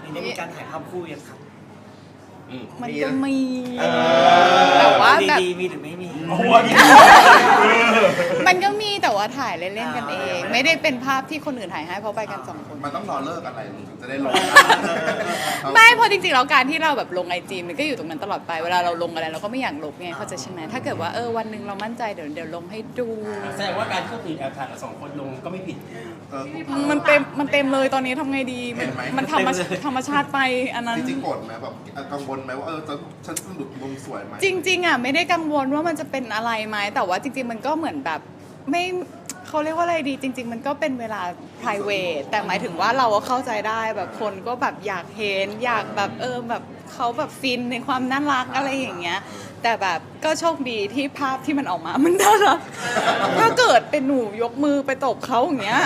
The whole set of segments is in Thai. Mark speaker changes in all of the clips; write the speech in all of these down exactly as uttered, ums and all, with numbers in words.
Speaker 1: นี่ได้มีการถ่ายภาพคู่ยังครับ
Speaker 2: มันก็มี
Speaker 1: แต่
Speaker 2: ว่า
Speaker 1: แบบมีหรือไม่มี
Speaker 2: มันก็มีแต่ว่าถ่ายเล่นๆกันเอง ไม่ได้เป็นภาพที่คนอื่นถ่ายให้เพราะไปกันสองคน
Speaker 3: มันต้องรอเลิกอะไรถึงจะได้ลง
Speaker 2: ไม่เพราะจริงๆแล้วการที่เราแบบลงไอจีมันก็อยู่ตรงนั้นตลอดไปเวลาเราลงอะไรเราก็ไม่อยากลบไงเข้าใจใช่ไหมถ้าเกิดว่าเออวันหนึ่งเรามั่นใจเดี๋ยวเดี๋ยวลงให้ดู
Speaker 4: แสดงว่าการที่คนอื่นแอบถ่ายกับสองคนลงก็ไม่ผิด
Speaker 2: มันเต็มมันเต็มเลยตอนนี้ทำไงดีมันธรรมธรรมชาติไปอันนั้น
Speaker 3: จริงๆโกรธไหมแบบกังวลไหมว่าเออจะฉันสนุกมุมสวยไหม
Speaker 2: จริงๆอ่ะไม่ได้กังวลว่ามันจะเป็นอะไรไหมแต่ว่าจริงๆมันก็เหมือนแบบไม่เขาเรียกว่าอะไรดีจริงๆมันก็เป็นเวลา private แต่หมายถึงว่าเราก็เข้าใจได้แบบคนก็แบบอยากเห็นอยากแบบเออแบบเขาแบบฟินในความน่ารักอะไรอย่างเงี้ยแต่แบบก็โชคดีที่ภาพที่มันออกมามันน่ารักถ้าเกิดเป็นหนูยกมือไปตบเขาอย่างเงี้ย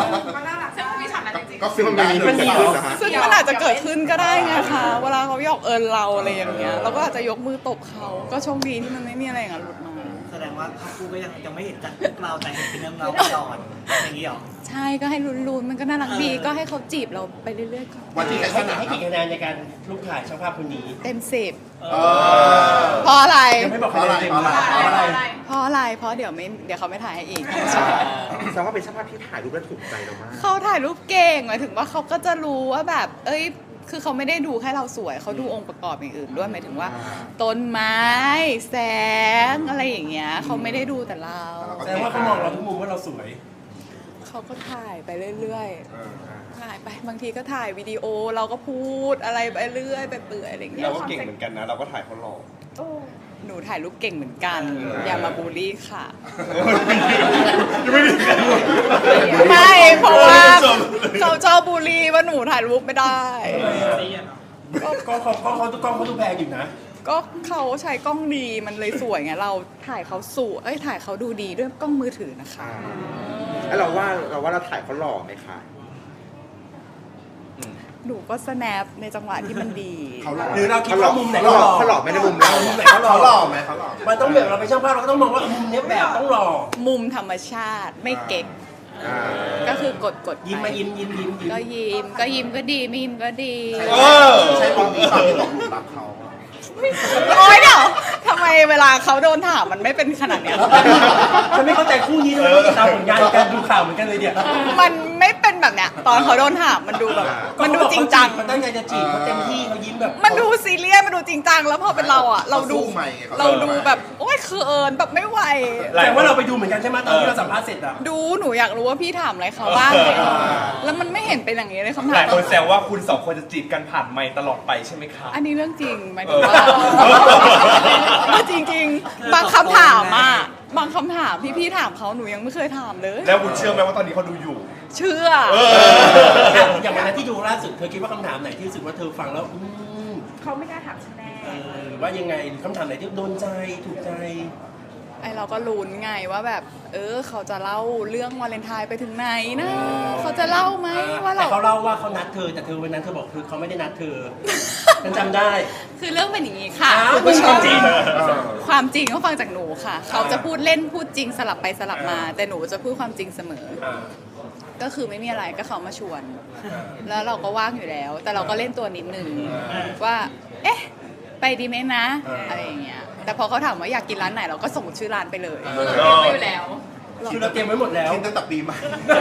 Speaker 3: ก็ฟิลมันมีมันมี
Speaker 2: ซึ่งมันอาจจะเกิดขึ้นก็ได้ไงคะเวลาเขาหยอกเอิญเราอะไรอย่างเงี้ยเราก็อาจจะยกมือตบเขาก็โชคดีที่มันไม่มีอะไรอย่างนั้นหลุดมา
Speaker 1: แสดงว่าภาพคู่ก็ยังยังไม่เห็นจากเราแต่เห็นเป็นเรื่องเราก่อนอย่างนี้หรอ
Speaker 2: ใช่ก็ให้ลุ้นๆมันก็น่ารักดีก็ให้เขาจีบเราไปเรื่อยๆก่อน
Speaker 4: วันที่ให้ให้กี่คะแนนในการรูปถ่ายช่างภาพคนนี้
Speaker 2: เต็มสิบเพราะอะไร
Speaker 4: ยังไม่บอกคะแนนเต็มเพราะ
Speaker 2: อะไรเพราะอะไรเพราะเดี๋ยวไม่เดี๋ยวเขาไม่ถ่ายให้อีก
Speaker 5: แสดงว่าเป็นช่างภาพที่ถ่ายรูปแล้วถูกใจเรามาก
Speaker 2: เขาถ่ายรูปเก่งหมายถึงว่าเขาก็จะรู้ว่าแบบเอ้ยคือเขาไม่ได้ดูแค่เราสวยเขาดูองค์ประกอบอย่างอื่นด้วยหมายถึงว่าต้นไม้แสงอะไรอย่างเงี้ยเขาไม่ได้ดูแต่เรา
Speaker 4: แสดงว่าเขามองเราทุกมุมว่าเราสวย
Speaker 2: เขาก็ถ่ายไปเรื่อยๆถ่ายไปบางทีก็ถ่ายวิดีโอเราก็พูดอะไรไปเรื่อยไปเปื่อยอะไรอย่างเงี้ย
Speaker 5: เราก็เก่งเหมือนกันนะเราก็ถ่ายเขาหล่อ
Speaker 2: หนูถ่ายรูปเก่งเหมือนกันอย่ามาบูลลี่ค่ะไม่เพราะว่าเขาชอบบูลลี่ว่าหนูถ่ายรูปไม่ได้
Speaker 4: ก็กล้องเขากล้องเขาทุกกล้องเขาดูแพงอยู่นะ
Speaker 2: ก็เขาใช้กล้องดีมันเลยสวยไงเราถ่ายเขาสวยเอ้ยถ่ายเขาดูดีด้วยกล้องมือถือนะคะ
Speaker 5: แล้วเราว่าเราว่าเราถ่ายเขาหล่อไหมคะ
Speaker 2: หนูก็สแนปในจังหวะที่มันดี
Speaker 4: หรือเราคิดว่ามุมไหนเขาหล่อ
Speaker 5: เขาหล่อไม่ได้มุมเรา
Speaker 4: มุมไหนเขาหล่อเขาหล่อไหมเขาหล่อมันต้องแบบเราเป็นช่างภาพเราก็ต้องมองว่ามุมนี้แบบต้องหล่อ
Speaker 2: มุมธรรมชาติไม่เก๊กก็คือกดกด
Speaker 4: ยิ้มมายิ้มยิ้มยิ้ม
Speaker 2: ก็ยิ้มก็ยิ้มก็ดีไม่ยิ้มก็ดี
Speaker 3: ใช่ผมตอนที่ตกหลุมรักเขา
Speaker 2: โอ๊ยเดี๋ยวทำไมเวลาเขาโดนถามมันไม่เป็นขนาดเนี้ย
Speaker 4: ฉันไม่เข้าใจคู่นี้เลยติดตามผลงานการดูข่าวเหมือนกันเลยเนี่ย
Speaker 2: มันไม่เป็นแบบเนี้ยตอนเขาโดนถามมันดูแบบมันดูจริงจัง
Speaker 4: มันตั้งใจจะจีบเขาเต็มที่เขายิ้มแบบ
Speaker 2: มันดูซีเรียสมันดูจริงจังแล้วพอเป็นเราอ่ะเราดูเราดูแบบโอ๊ยเขินแบบไม่ไหว
Speaker 4: แต่ว่าเราไปดูเหมือนกันใช่ไหมตอนที่เราสัมภาษณ์เสร็จอะ
Speaker 2: ดูหนูอยากรู้ว่าพี่ถามอะไรเขาบ้างเลยแล้วมันไม่เห็นเป็นอย่างนี้เลยคำถาม
Speaker 5: หลายคนแซวว่าคุณสองคนจะจีบกันผ่านไมค์ตลอดไปใช่ไหมคะ
Speaker 2: อันนี้เรื่องจริงหมายถึงว่าจริงๆบางคำถามอ่ะบางคำถามที่พี่ถามเขาหนูยังไม่เคยถามเลย
Speaker 5: แล้วคุณเชื่อไหมว่าตอนนี้เขาดูอยู่
Speaker 2: เชื่อ
Speaker 4: อย่างวันนั้นที่ดูล่าสุดเธอคิดว่าคำถามไหนที่รู้สึกว่าเธอฟังแล้ว
Speaker 2: เขาไม่กล้าถามฉันแน่
Speaker 4: หรือว่ายังไงคำถามไหนที่โดนใจถูกใจ
Speaker 2: ไอเราก็ลุ้นไงว่าแบบเออเขาจะเล่าเรื่องวาเลนไทน์ไปถึงไหนนะเขาจะเล่าไหมว่าเรา
Speaker 4: แต่เขาเล่าว่าเขานัดเธอแต่เธอวันนั้นเธอบอกคือเขาไม่ได้นัดเธอฉันจำได้
Speaker 2: คือเรื่องเป็นอย่างนี้ค่ะคุณผู้ชมจริงความจริงก็ฟังจากหนูค่ะเขาจะพูดเล่นพูดจริงสลับไปสลับมาแต่หนูจะพูดความจริงเสมอก็คือไม่มีอะไรก็เขามาชวนแล้วเราก็ว่างอยู่แล้วแต่เราก็เล่นตัวนิดนึงว่าเอ๊ะไปดีไหมนะอะไรอย่างเงี้ยแต่พอเขาถามว่าอยากกินร้านไหนเราก็ส่งชื่อร้านไปเลย
Speaker 4: เราเตรียมไว้อยู่แล้วคือเราเตรียมไว้หมดแล้ว
Speaker 3: คิดตั้งแต่ปีใหม่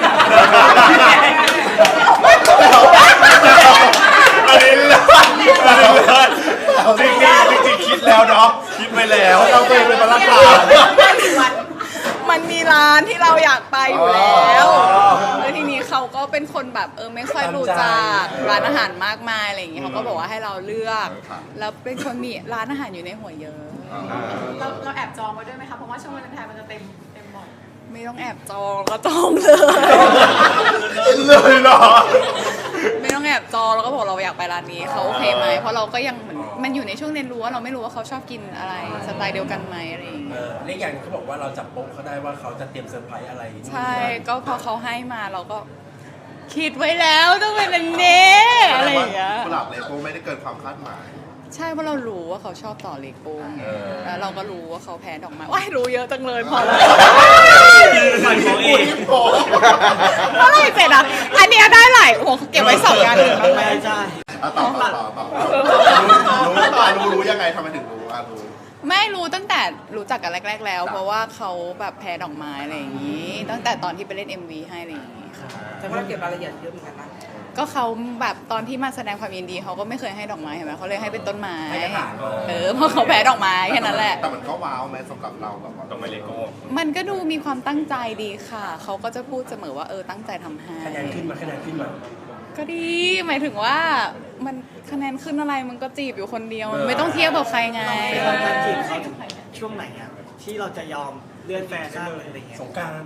Speaker 5: อันนี้เลยจริงจริงคิดแล้วเนาะคิดไปแล้ว
Speaker 3: เราเคยเป็นตลาดกลาง
Speaker 2: มันมีร้านที่เราอยากไปอยู่แล้วแล้วทีนี้เขาก็เป็นคนแบบเออไม่ค่อยรู้จักร้านอาหารมากมายอะไรอย่างเงี้ยเขาก็บอกว่าให้เราเลือกแล้วเป็นคนมีร้านอาหารอยู่ในหัวเยอะ
Speaker 6: เราเราแอบจองไว้ด้วยไหมคะเพราะว่าช่วงวาเลนไทน์มันจะเต็มเต็มหมด
Speaker 2: ไม่ต้องแอบจองก็จองเลย
Speaker 5: เลยเหรอ
Speaker 2: ไม่ต้องแอบจองแล้วก็บอกเราอยากไปร้านนี้เขาโอเคไหมเพราะเราก็ยังเหมือนมันอยู่ในช่วงเรียนรู้ว่าเราไม่รู้ว่าเขาชอบกินอะไรสไตล์เดียวกันไหมอะไรอย่างเงี้ย
Speaker 4: เล็กอย่างเขาบอกว่าเราจับโป๊ะเขาได้ว่าเขาจะเตรียมเซอร์ไพรส์อะไร
Speaker 2: ใช่ก็พอเขาให้มาเราก็คิดไว้แล้วต้องเป็นอันนี้อะไรอย่างเงี้ย
Speaker 3: กุหลาบเลโก้ไม่ได้เกินความคาดหมาย
Speaker 2: ใช่เพราะเรารู้ว่าเขาชอบต่อเลโก้แล้วเราก็รู้ว่าเขาแพ้ดอกไม้ว้ายรู้เยอะจังเลยพอแล้ว
Speaker 1: มันของอีก
Speaker 2: เมื่อไรเสร็จอ่ะอันนี้ได้หลายโอ้โหเก็บไว้สองงานหนึ่งแล้วไหม
Speaker 1: ใช่
Speaker 3: อ่ะต่อต่อต่อต่อรู้รู้อ่ะรู้รู้ยังไงทำไมถึงรู้อ่ะรู้
Speaker 2: ไม่รู้ตั้งแต่รู้จักกันแรก ๆ แล้ว เพราะว่าเขาแบบแพ้ดอกไม้อะไรอย่างนี้ ตั้งแต่ตอนที่ไปเล่น เอ็ม วี ให้อะไรอย่างนี้ค่ะ
Speaker 7: แต่ว่าเราเก็บรายละเอียดเยอะเหมือนกันนะ
Speaker 2: ก็เขาแบบตอนที่มาแสดงความยินดีเขาก็ไม่เคยให้ดอกไม้เห็นไหมเขาเลยให้เป็นต้นไม้
Speaker 4: ให้กระถางมา
Speaker 2: เออเพราะเขาแพ้ดอกไม้แค่นั้นแหละ
Speaker 3: แต่มันก็ว้าวไหมสำหรับเราแบบว่า
Speaker 5: ต้องไปเลโก้
Speaker 2: มันก็ดูมีความตั้งใจดีค่ะ เขาก็จะพูดเสมอว่าเออตั้งใจทำให้
Speaker 4: คะแนนขึ้นมาคะแนนขึ้นมา
Speaker 2: ก็ดี หมายถึงว่ามันคะแนนขึ้นอะไรมันก็จีบอยู่คนเดียวมันไม่ต้องเทียบกับใครไง
Speaker 1: เป็นวันการจีบเขาช่วงไหนอะที่เราจะยอมเลื่อนแฟชั่นอะไรอย่างเงี้ย
Speaker 4: สงกราร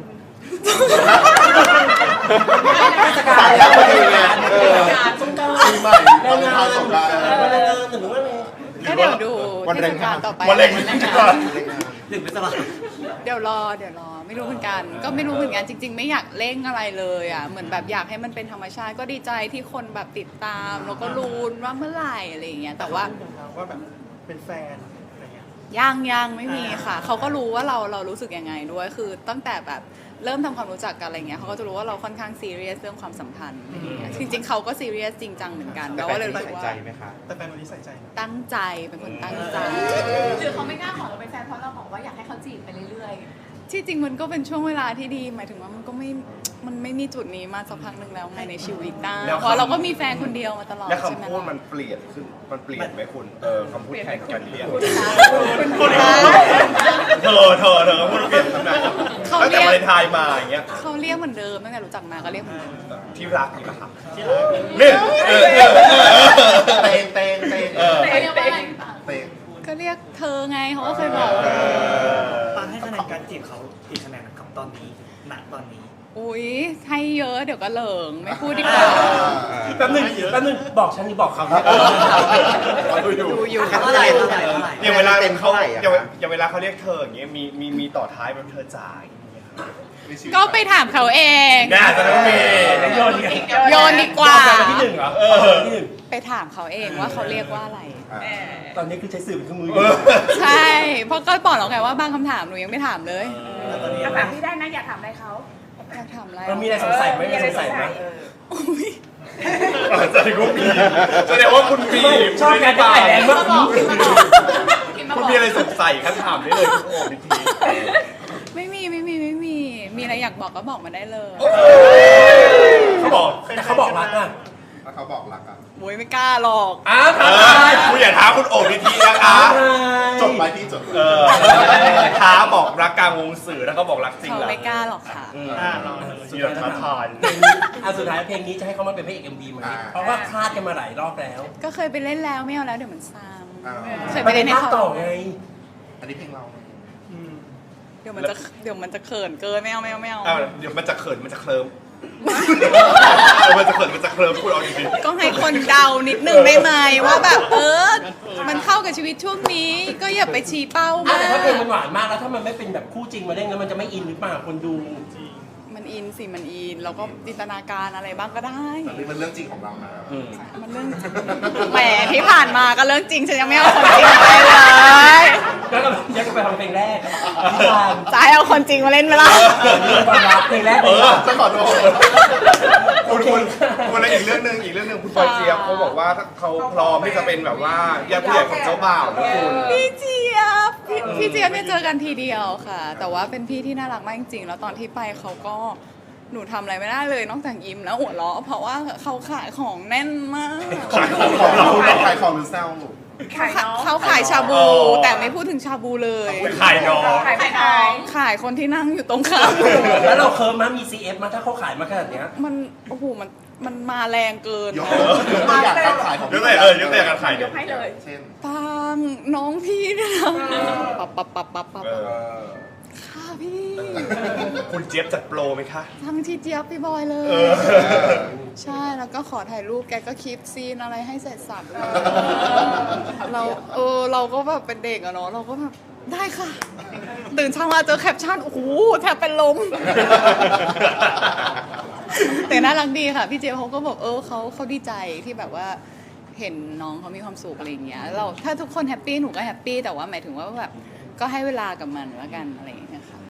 Speaker 3: สายแล้วพอดีไงเออ
Speaker 4: สงกราร
Speaker 3: ปีใหม่ตอนท้ายสงกรานต์
Speaker 4: วันแรงงานหรือว่าไง
Speaker 2: ก็เดี๋ยวดู
Speaker 3: วัน
Speaker 2: ที่
Speaker 3: แร
Speaker 2: ส
Speaker 3: ง
Speaker 2: งกรารต่อไป
Speaker 5: วันแรงงาน
Speaker 1: หนึ่งเป็นสลับ
Speaker 2: เดี๋ยวรอเดี๋ยวรอไม่รู้เหมือนกัน ก็ไม่รู้เหมือนกันจริง ๆ ไม่อยากเร่งอะไรเลยอ่ะเหมือนแบบอยากให้มันเป็นธรรมชาติก็ดีใจที่คนแบบติดตามแล้วก็รู้ว่าเมื่อไหร่อะไรอย่างเงี้ยแต่ว่า
Speaker 1: ว่าแบบเป็นแฟนอะไรเงี้ย
Speaker 2: ยังยังไม่มีค่ะ เขาก็รู้ว่าเราเรารู้สึกยังไงด้วย คือตั้งแต่แบบเริ่มทำความรู้จักกันอะไรเงี้ยเขาก็จะรู้ว่าเราค่อนข้างซีเรียสเรื่องความสัมพันธ์อะไรเงี้ยจริงๆเขาก็ซีเรียสจริงจังเหมือนกันแล้วก็เลยรู้สึกว่า
Speaker 1: แต่แฟนวันนี้ใส่ใจไหม
Speaker 2: ตั้งใจเป็นคนตั้งใจ
Speaker 6: หรือเขาไม่กล้าขอเราเป็นแฟนเพราะเราบอกว่าอยากให้เขาจีบไปเรื่อย
Speaker 2: ที่จริงมันก็เป็นช่วงเวลาที่ดี หมายถึงว่ามันก็ไม่มันไม่มีจุดนี้มาสักพักหนึ่งแล้วไงในชีวิตนะ
Speaker 5: แล้ว
Speaker 2: เพราะเราก็มีแฟนคนเดียวมาตลอด
Speaker 5: แล้ว
Speaker 2: ใช่ไหม
Speaker 5: คำพูด
Speaker 2: ล่ะ
Speaker 5: มันเปลี่ยนขึ้น มันเปลี่ยนไหมคุณ เออคำพูดแข่งกันเรียน
Speaker 2: คุณคะ
Speaker 5: เธอเธอเธอพูดเปลี่ยนขนาด
Speaker 2: เขา
Speaker 5: ตั้ง
Speaker 2: เรี
Speaker 5: แต่
Speaker 2: ยก
Speaker 5: วาเลนไทน์มาอย่างเงี้ย
Speaker 2: เขาเรียกเหมือนเดิมตั้งแต่รู้จักมาก็เรียกเหมือนเดิม
Speaker 5: ที่รักนี่ปะครับที่รักนี่เออเออเออ
Speaker 3: เตงเตงเตง
Speaker 5: เออ
Speaker 6: ๆเขาเรียกว่าอะไรต่าง
Speaker 3: เตง
Speaker 2: ก็เรียกเธอไงเขาก็เคยบอก
Speaker 1: ปางให้คะแนนการจีบเขากี่คะแนนกับตอนนี้ณตอนนี้
Speaker 2: อุ้ยให้เยอะเดี๋ยวก็เหลิงไม่พูดดีกว่า
Speaker 4: แป๊บนึงแป๊บนึงบอกฉันหรือบอกเขาเนี่ย
Speaker 5: ดูอยู่
Speaker 2: ดูอยู่
Speaker 1: เท่าไหร่เท่าไหร่เท่าไหร่
Speaker 5: อย่างเวลาเขาอย่างอย่างเวลาเขาเรียกเธออย่างเงี้ยมีมีมีต่อท้ายแบบเธอจ่ายอย่างเงี้ยครับ
Speaker 2: ก็ไปถามเขาเอง
Speaker 5: น่าจะต้องมี
Speaker 4: โยนดี
Speaker 2: โยนดีกว่า
Speaker 4: ที่หนึ่งเหรอ
Speaker 5: เออ
Speaker 4: ที่หนึ่ง
Speaker 2: ไปถามเขาเองว่าเขาเรียกว่าอะไร
Speaker 4: ตอนนี้คือใช้สื่อเป็นเครื่องมืออ
Speaker 5: เอยู่ อ
Speaker 2: ใช่ เพราะก็บอกแล้วไงว่าบางคำถามหนูยังไม่ถามเลย
Speaker 1: แล้วตอนนี้
Speaker 6: ๆถามพี่ได้นะอยากถามอะไรเขา
Speaker 2: อยากถามอะไร
Speaker 4: เรามีอะไรสงสัยไหมมีอะไรสงสัยไหม
Speaker 2: อุ๊ย
Speaker 5: แสดงว่ามีแสดงว่าคุณมี
Speaker 4: ชอบการถ่ายแรงมาก
Speaker 6: พิมพ์มาบอก
Speaker 5: คุณมีอะไรสงสัยครับถามได้เลยคุณโอ้พิธี
Speaker 2: ไม่มีไม่มีไม่มี มีอะไรอยากบอกก็บอกมาได้เลย
Speaker 4: เขาบอกแต่เขาบอกรักอ่ะ
Speaker 3: แล้วเขาบอกรักอ่ะ
Speaker 2: โอ้ยไม่กล้าหรอก
Speaker 4: อ้าว
Speaker 5: เออคุณอย่าท้าคุณโอ้พิธีนะคะ
Speaker 3: จบไปที่จบ
Speaker 5: เออท้าบอกรักกลางวงสื่อแล้วก็บอกรักจริง
Speaker 2: เขา
Speaker 5: เหรอ
Speaker 2: ไม่กล้าหรอกค่ะ
Speaker 5: อืม
Speaker 1: อ่าลอง
Speaker 5: สุดยอดท้าทาย
Speaker 4: อ่ะสุดท้ายเพลงนี้จะให้เขามาเป็นพระเอกเอ็มวีไหมเพราะว่าคาดกันมาหลายรอบแล้ว
Speaker 2: ก็เคยไปเล่นแล้วไม่เอาแล้วเดี๋ยวมันซ้
Speaker 3: อ่า
Speaker 2: ำเคยไปเล่นให้
Speaker 4: ภาค
Speaker 2: เขา
Speaker 4: ต่อไง
Speaker 3: อันนี้เพลงเรา
Speaker 2: เดี๋ยวมันจะเดี๋ยวมันจะเขินเกินไม่เอาไม่เอาไม่เอา
Speaker 5: อ้าวเดี๋ยวมันจะเขินมันจะเคลิ้มเออมันจะเขินมันจะเคลิ้มคุณเอาดี
Speaker 2: ก็ให้คนเดานิดนึงได้ไหมว่าแบบเออ มันเข้ากับชีวิตช่วงนี้ ก็อย่าไปชี้เป้า
Speaker 4: อ่ะ
Speaker 2: มา
Speaker 4: แต่ถ้าเพลงมัน
Speaker 2: ก
Speaker 4: หวานมากแล้วถ้ามันไม่เป็นแบบคู่จริงมาเล่นแล้วมันจะไม่อินหรือเปล่าคนดู
Speaker 2: มันอินสิมันอินแล้วก็จินตนาการอะไรบ้างก็ได้
Speaker 3: แต่นี่มันเรื่องจริงของเรานะ
Speaker 2: มันเรื่องจริงแหมที่ผ่านมาก็เรื่องจริงฉันยังไม่เอาคนจริงไปเลย
Speaker 4: แล้วก็ย้อนกลับไปฟังเพลงแรกที่ทาง
Speaker 2: จะให้เอาคนจริงมาเล่นไหมล่ะ
Speaker 4: ความรักเพลงแรก
Speaker 5: เออ
Speaker 3: จะขอโทษ
Speaker 5: คุณคุณคุณแล้วอีกเรื่องหนึ่งอีกเรื่องหนึ่งคุณปอยเจี๊ยบเขาบอกว่าเขาพร้อมที่จะเป็นแบบว่าญาติผู้ใหญ่ของเจ้าบ่าวนะคุณ
Speaker 2: พี่เจี๊ยบพี่พี่เจี๊ยบเนี่ยเจอกันทีเดียวค่ะ แต่ว่าเป็นพี่ที่น่ารักมากจริงๆแล้วตอนที่ไปเขาก็หนูทำอะไรไม่ได้เลยนอกจากยิ้มแล้วหัวเราะเพราะว่าเขาขายของแน่นมาก
Speaker 5: ขายของ
Speaker 3: ของเราเราขายของหรือแซว
Speaker 6: ขายน้อง
Speaker 2: เขาขายชาบู แต่ไม่พูดถึงชาบูเลย
Speaker 5: ขายน้อง
Speaker 6: ขายไม่น้อง
Speaker 2: ขายคนที่นั่งอยู่ตรงข้ามหนู
Speaker 4: แล้วเราเคิร์มมามี ซี เอฟ มาถ้าเขาขายมาขนาดเนี้ย
Speaker 2: มันโอ้โหมันมันมาแรงเกิน
Speaker 3: ยกยกตัวอย่างการขายของ
Speaker 5: ยกตัวอย่างเออยกตัวอย่างการขาย
Speaker 6: ยกให้เลย
Speaker 3: เช่น
Speaker 2: ปังน้องพี่เนี่ยนะปับปับปับปับปับ
Speaker 5: เออ
Speaker 2: ค่ะพี่
Speaker 5: คุณเจี๊ยบจัดโปรไหมคะ
Speaker 2: ทั้งที่เจี๊ยบพี่บอยเล
Speaker 5: เอย อ
Speaker 2: ใช่แล้วก็ขอถ่ายรูปแกก็คลิปซีนอะไรให้เสร็จสับเลยเราเออเราก็แบบเป็นเด็กอะเนาะเราก็แบบได้ค่ะ ตื่นเช้ามาเจอแคปชั่นโอ้โหแทบเป็นลม แต่น่ารักดีค่ะ พี่เจเขาก็บอกเออเขาเขาดีใจที่แบบว่าเห็นน้องเขามีความสุขอะไรอย่างเงี้ยเราถ้าทุกคนแฮปปี้หนูก็แฮปปี้แต่ว่าหมายถึงว่าแบบก็ให้เวลากับมันแล้วกันอะไรอย่างเงี้ย